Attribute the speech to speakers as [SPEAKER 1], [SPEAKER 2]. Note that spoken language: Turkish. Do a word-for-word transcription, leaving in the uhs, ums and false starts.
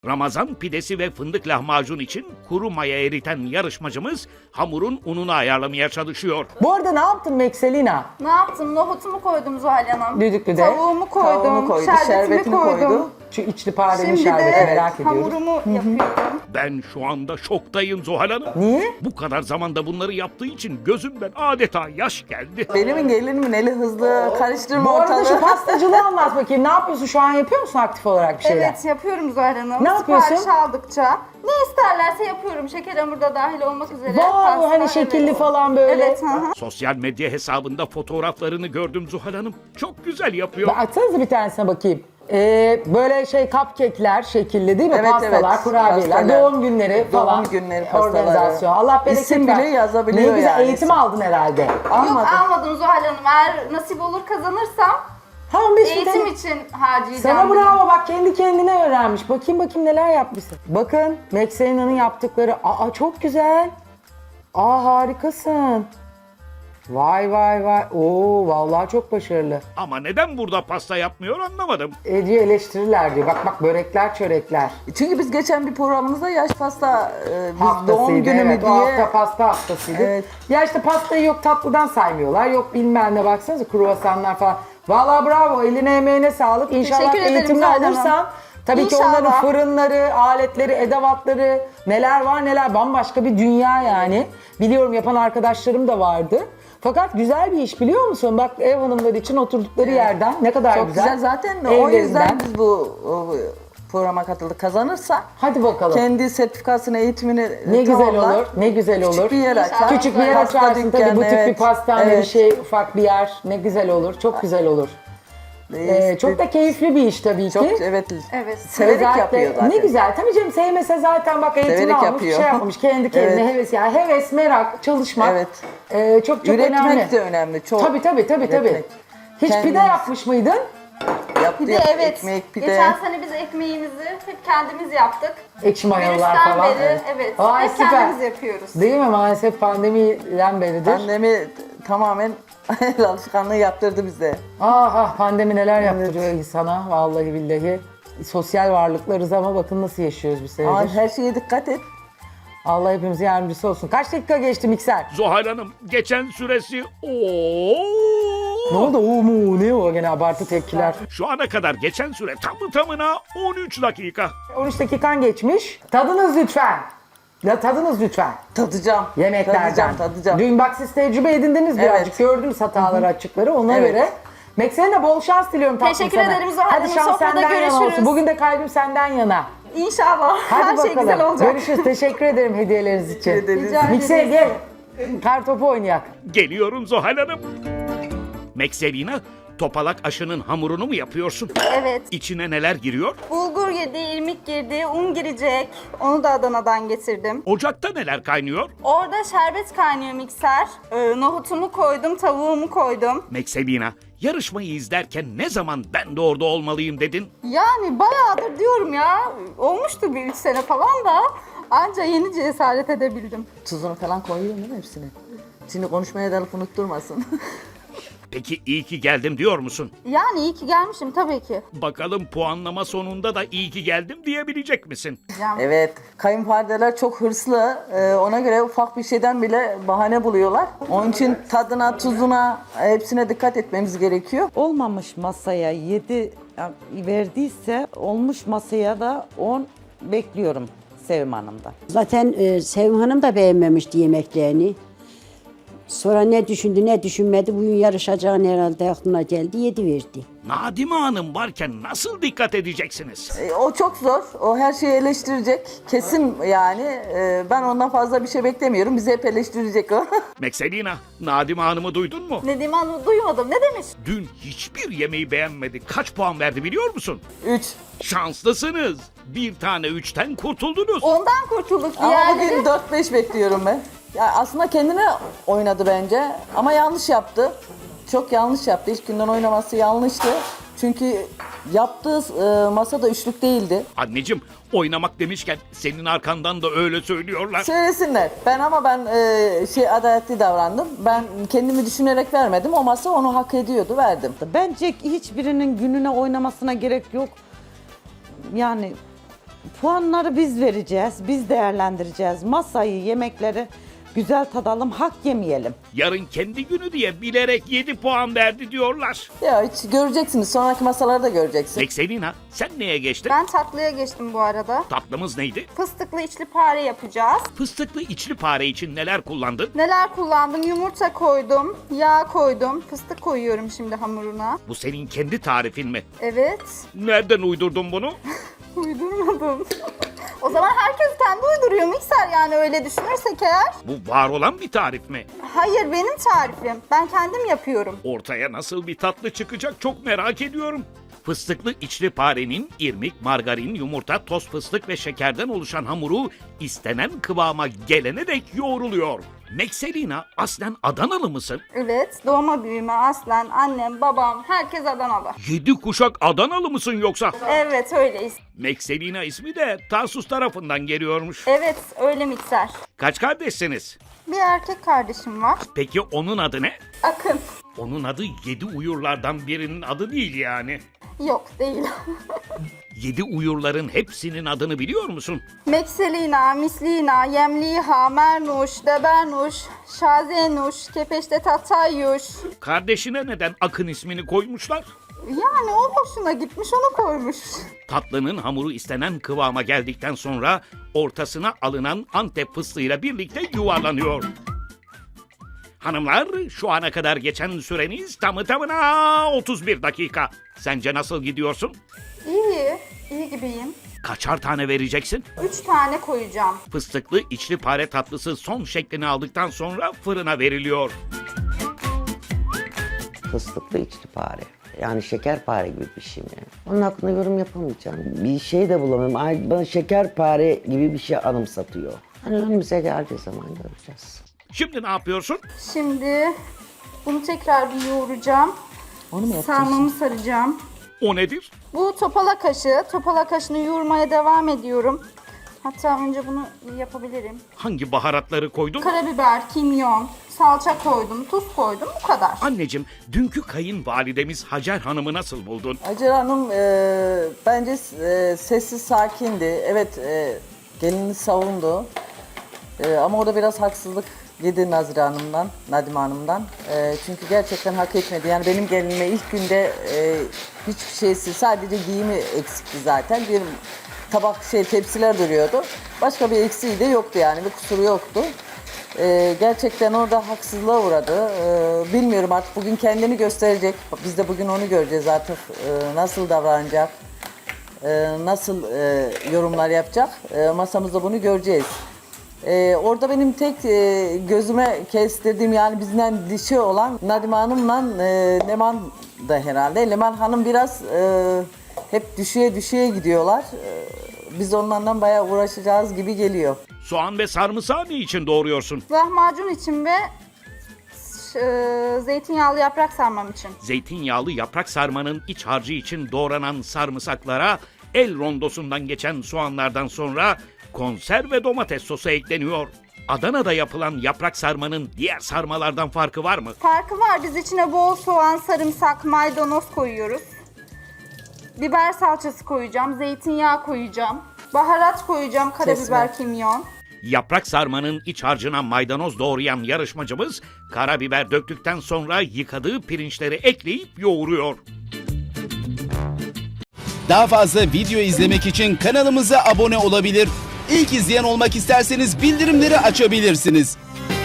[SPEAKER 1] Ramazan pidesi ve fındık lahmacun için kuru maya eriten yarışmacımız hamurun ununu ayarlamaya çalışıyor.
[SPEAKER 2] Bu arada ne yaptın Mekselina?
[SPEAKER 3] Ne yaptım? Nohutumu koydum Zuhal Hanım.
[SPEAKER 2] Düdüklüde.
[SPEAKER 3] Tavuğumu koydum.
[SPEAKER 4] Tavuğunu koydu,
[SPEAKER 3] şerbetimi
[SPEAKER 4] şerbetini
[SPEAKER 3] koydum.
[SPEAKER 4] koydu.
[SPEAKER 2] Şu içli parenin
[SPEAKER 3] Şimdi
[SPEAKER 2] şerbeti
[SPEAKER 3] de
[SPEAKER 2] merak ediyoruz.
[SPEAKER 3] hamurumu yapıyorum.
[SPEAKER 1] Ben şu anda şoktayım Zuhal Hanım.
[SPEAKER 2] Niye?
[SPEAKER 1] Bu kadar zamanda bunları yaptığı için gözümden adeta yaş geldi.
[SPEAKER 4] Benim gelinimin eli hızlı, karıştırma
[SPEAKER 2] Bu arada şu
[SPEAKER 4] ortalığı.
[SPEAKER 2] pastacılığı anlat bakayım. Ne yapıyorsun? Şu an yapıyor musun aktif olarak bir şeyler?
[SPEAKER 3] Evet yapıyorum Zuhal Hanım.
[SPEAKER 2] Ne yapıyorsun?
[SPEAKER 3] Sipariş aldıkça ne isterlerse yapıyorum. Şeker hamuru da dahil olmak üzere.
[SPEAKER 2] Wow,
[SPEAKER 3] Pasta,
[SPEAKER 2] hani şekilli
[SPEAKER 3] evet.
[SPEAKER 2] falan böyle.
[SPEAKER 3] Evet. Hı hı.
[SPEAKER 1] Sosyal medya hesabında fotoğraflarını gördüm Zuhal Hanım. Çok güzel yapıyor.
[SPEAKER 2] Bak, Açsanıza bir tanesine bakayım. Ee, böyle şey cupcake'ler şekilli değil mi?
[SPEAKER 4] Evet,
[SPEAKER 2] Pastalar,
[SPEAKER 4] evet.
[SPEAKER 2] kurabiyeler,
[SPEAKER 4] Pastalar.
[SPEAKER 2] doğum günleri
[SPEAKER 4] Doğum
[SPEAKER 2] falan.
[SPEAKER 4] günleri pastaları.
[SPEAKER 2] Organizasyon. Allah bereket
[SPEAKER 4] İsim
[SPEAKER 2] ver.
[SPEAKER 4] bile yazabiliyor
[SPEAKER 2] Ne güzel
[SPEAKER 4] yani.
[SPEAKER 2] eğitim aldın herhalde.
[SPEAKER 3] Yok
[SPEAKER 4] Almadım.
[SPEAKER 3] almadım Zuhal Hanım. Eğer nasip olur kazanırsam
[SPEAKER 2] Ha on beş bin
[SPEAKER 3] eğitim
[SPEAKER 2] T L.
[SPEAKER 3] için harcayacağım.
[SPEAKER 2] Sana
[SPEAKER 3] bunu.
[SPEAKER 2] bravo, bak kendi kendine öğrenmiş. Bakayım bakayım neler yapmışsın. Bakın Mekselina'nın yaptıkları. Aa çok güzel. Aa harikasın. Vay vay vay. Oo vallahi çok başarılı.
[SPEAKER 1] Ama neden burada pasta yapmıyor anlamadım.
[SPEAKER 2] Ece eleştirirler diyor. Bak bak börekler çörekler.
[SPEAKER 4] Çünkü biz geçen bir programımızda yaş pasta, e, biz
[SPEAKER 2] Haftasıydı,
[SPEAKER 4] doğum günü mü
[SPEAKER 2] evet, o
[SPEAKER 4] diye.
[SPEAKER 2] hafta pasta haftasıydı.
[SPEAKER 4] Evet.
[SPEAKER 2] Ya işte pastayı yok tatlıdan saymıyorlar. Yok bilmem ne, baksanıza kruvasanlar falan. Vallahi bravo, eline emeğine sağlık. İnşallah
[SPEAKER 3] Teşekkür ederim
[SPEAKER 2] eğitimli
[SPEAKER 3] Zuhal Hanım.
[SPEAKER 2] olursan. Tabii ki
[SPEAKER 3] İnşallah.
[SPEAKER 2] onların fırınları, aletleri, edevatları neler var neler, bambaşka bir dünya yani. Biliyorum, yapan arkadaşlarım da vardı. Fakat güzel bir iş, biliyor musun? Bak ev hanımları için oturdukları yerden ne kadar
[SPEAKER 4] Çok
[SPEAKER 2] güzel.
[SPEAKER 4] güzel zaten o
[SPEAKER 2] Evlerinden.
[SPEAKER 4] yüzden biz bu o, programa katıldık. Kazanırsa
[SPEAKER 2] Hadi bakalım.
[SPEAKER 4] kendi sertifikasını, eğitimini
[SPEAKER 2] Ne güzel
[SPEAKER 4] tamamlar.
[SPEAKER 2] olur, ne güzel olur.
[SPEAKER 4] Küçük bir yer açar.
[SPEAKER 2] Küçük bir yer
[SPEAKER 4] Pasta
[SPEAKER 2] açarsın tabii,
[SPEAKER 4] dükkanı,
[SPEAKER 2] butik bir
[SPEAKER 4] evet.
[SPEAKER 2] pastane bir
[SPEAKER 4] Evet.
[SPEAKER 2] şey, ufak bir yer. Ne güzel olur, çok güzel olur. Ee, çok da keyifli bir iş tabii ki.
[SPEAKER 4] çok evet.
[SPEAKER 3] Evet.
[SPEAKER 4] Severek
[SPEAKER 2] Özellikle-
[SPEAKER 4] yapıyor zaten.
[SPEAKER 2] Ne güzel. Tabii canım, sevmese zaten bak eğitim
[SPEAKER 4] Severek
[SPEAKER 2] almış,
[SPEAKER 4] yapıyor.
[SPEAKER 2] şey yapmış. Kendi kendine
[SPEAKER 4] Evet.
[SPEAKER 2] heves, yani heves, merak, çalışmak.
[SPEAKER 4] Evet.
[SPEAKER 2] Ee, çok çok
[SPEAKER 4] Üretmek
[SPEAKER 2] önemli.
[SPEAKER 4] de önemli. Çok.
[SPEAKER 2] Tabii tabii tabii tabii.
[SPEAKER 4] Üretmek.
[SPEAKER 2] Hiç pide
[SPEAKER 4] Kendimiz-
[SPEAKER 2] yapmış mıydın?
[SPEAKER 4] Yaptı,
[SPEAKER 3] Bir de
[SPEAKER 4] yaptı.
[SPEAKER 3] evet.
[SPEAKER 4] Ekmek, pide.
[SPEAKER 3] Geçen sene biz ekmeğimizi hep kendimiz yaptık.
[SPEAKER 2] Ekşi mayalılar
[SPEAKER 3] Virüsten
[SPEAKER 2] falan.
[SPEAKER 3] beri evet.
[SPEAKER 2] Vay,
[SPEAKER 3] hep
[SPEAKER 2] süper.
[SPEAKER 3] kendimiz yapıyoruz.
[SPEAKER 2] Değil mi? Maalesef pandemiden beridir.
[SPEAKER 4] Annemi tamamen el alışkanlığı yaptırdı bize.
[SPEAKER 2] Ah ah, pandemi neler yaptırıyor insana vallahi billahi. Sosyal varlıklarız ama bakın nasıl yaşıyoruz bir senedir.
[SPEAKER 4] Ama her şeye dikkat et.
[SPEAKER 2] Allah hepimize yardımcısı olsun. Kaç dakika geçti mikser?
[SPEAKER 1] Zuhal Hanım geçen süresi
[SPEAKER 2] Ne
[SPEAKER 1] ooo.
[SPEAKER 2] oldu? Oo mu? Ne o? Gene abartı tepkiler.
[SPEAKER 1] Şu ana kadar geçen süre tamı tamına on üç dakika.
[SPEAKER 2] on üç dakikan geçmiş. Tadınız lütfen. Ya tadınız lütfen.
[SPEAKER 4] Tadacağım.
[SPEAKER 2] Yemeklerden.
[SPEAKER 4] Tadacağım, tadacağım.
[SPEAKER 2] Dün bak siz tecrübe edindiniz birazcık.
[SPEAKER 4] Evet.
[SPEAKER 2] Gördünüz hataları, açıkları. Ona
[SPEAKER 4] Evet.
[SPEAKER 2] göre. Meksen'e bol şans diliyorum tatlım
[SPEAKER 3] Teşekkür
[SPEAKER 2] sana.
[SPEAKER 3] ederim Zuhal
[SPEAKER 2] Hadi
[SPEAKER 3] Hanım.
[SPEAKER 2] şans
[SPEAKER 3] Sofrada
[SPEAKER 2] senden yana olsun.
[SPEAKER 3] görüşürüz.
[SPEAKER 2] Bugün de kalbim senden yana.
[SPEAKER 3] İnşallah.
[SPEAKER 2] Hadi
[SPEAKER 3] Her
[SPEAKER 2] bakalım.
[SPEAKER 3] şey güzel olacak.
[SPEAKER 2] Görüşürüz. Teşekkür ederim hediyeleriniz için.
[SPEAKER 4] ederiz.
[SPEAKER 3] Rica
[SPEAKER 2] Mikser
[SPEAKER 3] ederiz.
[SPEAKER 2] gel. Kar topu oynayak.
[SPEAKER 1] Geliyorum Zuhal Hanım. Mekselina, topalak aşının hamurunu mu yapıyorsun?
[SPEAKER 3] Evet.
[SPEAKER 1] İçine neler giriyor?
[SPEAKER 3] Bulgur girdi, irmik girdi, un girecek. Onu da Adana'dan getirdim.
[SPEAKER 1] Ocakta neler kaynıyor?
[SPEAKER 3] Orada şerbet kaynıyor mikser. Ee, nohutumu koydum, tavuğumu koydum.
[SPEAKER 1] Mekselina, yarışmayı izlerken ne zaman ben de orada olmalıyım dedin?
[SPEAKER 3] Yani bayağıdır diyorum ya. Olmuştu bir üç sene falan da. Anca yeni cesaret edebildim.
[SPEAKER 4] Tuzunu falan koyuyorum değil mi hepsini? Şimdi konuşmaya dalıp unutturmasın.
[SPEAKER 1] Peki iyi ki geldim diyor musun?
[SPEAKER 3] Yani iyi ki gelmişim tabii ki.
[SPEAKER 1] Bakalım puanlama sonunda da iyi ki geldim diyebilecek misin?
[SPEAKER 3] Yani
[SPEAKER 4] Evet. Kayınvalideler çok hırslı. Ee, ona göre ufak bir şeyden bile bahane buluyorlar. Onun için tadına, tuzuna, hepsine dikkat etmemiz gerekiyor.
[SPEAKER 5] Olmamış masaya yedi verdiyse olmuş masaya da on bekliyorum Sevim Hanım'dan.
[SPEAKER 6] Zaten e, Sevim Hanım da beğenmemişti yemeklerini. Sonra ne düşündü ne düşünmedi, bugün yarışacağını herhalde aklına geldi, yedi verdi.
[SPEAKER 1] Nadime Hanım varken nasıl dikkat edeceksiniz?
[SPEAKER 4] Ee, o çok zor. O her şeyi eleştirecek. Kesin yani. Ee, ben ondan fazla bir şey beklemiyorum. Bizi hep eleştirecek o.
[SPEAKER 1] Mekselina, Nadime Hanım'ı duydun mu?
[SPEAKER 3] Nedim Hanım duymadım. Ne demiş?
[SPEAKER 1] Dün hiçbir yemeği beğenmedi. Kaç puan verdi biliyor musun?
[SPEAKER 4] Üç.
[SPEAKER 1] Şanslısınız. Bir tane üçten kurtuldunuz.
[SPEAKER 3] Ondan kurtulduk.
[SPEAKER 4] Ama
[SPEAKER 3] Diğerleri...
[SPEAKER 4] bugün dört beş bekliyorum ben. Ya aslında kendine oynadı bence ama yanlış yaptı. Çok yanlış yaptı. İlk günden oynaması yanlıştı. Çünkü yaptığı e, masada üçlük değildi.
[SPEAKER 1] Anneciğim, oynamak demişken senin arkandan da öyle söylüyorlar.
[SPEAKER 4] Söylesinler. Ben ama ben e, şey adaletli davrandım. Ben kendimi düşünerek vermedim. O masa onu hak ediyordu, verdim.
[SPEAKER 5] Bence hiçbirinin gününe oynamasına gerek yok. Yani puanları biz vereceğiz, biz değerlendireceğiz. Masayı, yemekleri güzel tadalım, hak yemeyelim.
[SPEAKER 1] Yarın kendi günü diye bilerek yedi puan verdi diyorlar.
[SPEAKER 4] Ya hiç göreceksiniz. Sonraki masalarda göreceksin.
[SPEAKER 1] Mekselina sen neye geçtin?
[SPEAKER 3] Ben tatlıya geçtim bu arada.
[SPEAKER 1] Tatlımız neydi?
[SPEAKER 3] Fıstıklı içli pare yapacağız.
[SPEAKER 1] Fıstıklı içli pare için neler kullandın?
[SPEAKER 3] Neler kullandım? Yumurta koydum, yağ koydum, fıstık koyuyorum şimdi hamuruna.
[SPEAKER 1] Bu senin kendi tarifin mi?
[SPEAKER 3] Evet,
[SPEAKER 1] Nereden uydurdun bunu?
[SPEAKER 3] uydurmadım. O zaman herkes kendi uyduruyor mikser, yani öyle düşünürsek eğer.
[SPEAKER 1] Bu var olan bir tarif mi?
[SPEAKER 3] Hayır, benim tarifim. Ben kendim yapıyorum.
[SPEAKER 1] Ortaya nasıl bir tatlı çıkacak çok merak ediyorum. Fıstıklı içli parenin irmik, margarin, yumurta, toz fıstık ve şekerden oluşan hamuru istenen kıvama gelene dek yoğruluyor. Mekselina aslen Adanalı mısın?
[SPEAKER 3] Evet, doğma büyüme aslen annem, babam, herkes Adanalı.
[SPEAKER 1] Yedi kuşak Adanalı mısın yoksa?
[SPEAKER 3] Evet, öyleyiz.
[SPEAKER 1] Mekselina ismi de Tarsus tarafından geliyormuş.
[SPEAKER 3] Evet, öyle mikser.
[SPEAKER 1] Kaç kardeşsiniz?
[SPEAKER 3] Bir erkek kardeşim var.
[SPEAKER 1] Peki onun adı ne?
[SPEAKER 3] Akın.
[SPEAKER 1] Onun adı yedi uyurlardan birinin adı değil yani.
[SPEAKER 3] Yok, değil.
[SPEAKER 1] Yedi uyurların hepsinin adını biliyor musun?
[SPEAKER 3] Mekselina, Mislina, Yemliha, Mernuş, Debernuş, Şazenuş, Kepeşte Tatayyuş.
[SPEAKER 1] Kardeşine neden Akın ismini koymuşlar?
[SPEAKER 3] Yani o hoşuna gitmiş, onu koymuş.
[SPEAKER 1] Tatlının hamuru istenen kıvama geldikten sonra ortasına alınan Antep fıstığıyla birlikte yuvarlanıyor. Hanımlar, şu ana kadar geçen süreniz tamı tamına otuz bir dakika. Sence nasıl gidiyorsun?
[SPEAKER 3] İyi, iyi gibiyim.
[SPEAKER 1] Kaçar tane vereceksin?
[SPEAKER 3] Üç tane koyacağım.
[SPEAKER 1] Fıstıklı içli pare tatlısı son şeklini aldıktan sonra fırına veriliyor.
[SPEAKER 7] Fıstıklı içlipare. Yani şekerpare gibi bir şey mi? Onun hakkında yorum yapamayacağım. Bir şey de bulamıyorum. Ay, bana şekerpare gibi bir şey anımsatıyor. Hani önümüze geldiği zaman göreceğiz.
[SPEAKER 1] Şimdi ne yapıyorsun?
[SPEAKER 3] Şimdi bunu tekrar bir yoğuracağım.
[SPEAKER 4] Onu mu yapacaksın?
[SPEAKER 3] Sarmamı saracağım.
[SPEAKER 1] O nedir?
[SPEAKER 3] Bu topala kaşı. Topala kaşını yoğurmaya devam ediyorum. Hatta önce bunu yapabilirim.
[SPEAKER 1] Hangi baharatları koydun?
[SPEAKER 3] Karabiber, kimyon, salça koydum, tuz koydum. Bu kadar.
[SPEAKER 1] Anneciğim, dünkü kayınvalidemiz Hacer Hanım'ı nasıl buldun?
[SPEAKER 4] Hacer Hanım e, bence e, sessiz, sakindi. Evet, e, gelini savundu. E, ama orada biraz haksızlık yedi Nazire Hanım'dan, Nadime Hanım'dan. E, çünkü gerçekten hak etmedi. Yani benim gelinime ilk günde e, hiçbir şeysi, sadece giyimi eksikti zaten. Bir tabak şey tepsiler duruyordu. Başka bir eksiği de yoktu yani, bir kusuru yoktu. Ee, gerçekten orada haksızlığa uğradı. Ee, bilmiyorum artık bugün kendini gösterecek. Biz de bugün onu göreceğiz artık. Ee, nasıl davranacak, ee, nasıl e, yorumlar yapacak. Ee, masamızda bunu göreceğiz. Ee, orada benim tek e, gözüme kestirdiğim, yani bizden dişi olan Nadime Hanım'la e, Leman da herhalde. Leman Hanım biraz e, hep düşüye düşüye gidiyorlar. Ee, biz onlardan bayağı uğraşacağız gibi geliyor.
[SPEAKER 1] Soğan ve sarımsağı ne için doğruyorsun?
[SPEAKER 3] Lahmacun için ve e, zeytinyağlı yaprak sarmam için.
[SPEAKER 1] Zeytinyağlı yaprak sarmanın iç harcı için doğranan sarımsaklara el rondosundan geçen soğanlardan sonra konserve domates sosu ekleniyor. Adana'da yapılan yaprak sarmanın diğer sarmalardan farkı var mı?
[SPEAKER 3] Farkı var. Biz içine bol soğan, sarımsak, maydanoz koyuyoruz. Biber salçası koyacağım, zeytinyağı koyacağım. Baharat koyacağım, karabiber,
[SPEAKER 4] Kesme.
[SPEAKER 3] kimyon.
[SPEAKER 1] Yaprak sarmanın iç harcına maydanoz doğrayan yarışmacımız karabiber döktükten sonra yıkadığı pirinçleri ekleyip yoğuruyor.
[SPEAKER 8] Daha fazla video izlemek için kanalımıza abone olabilir. İlk izleyen olmak isterseniz bildirimleri açabilirsiniz.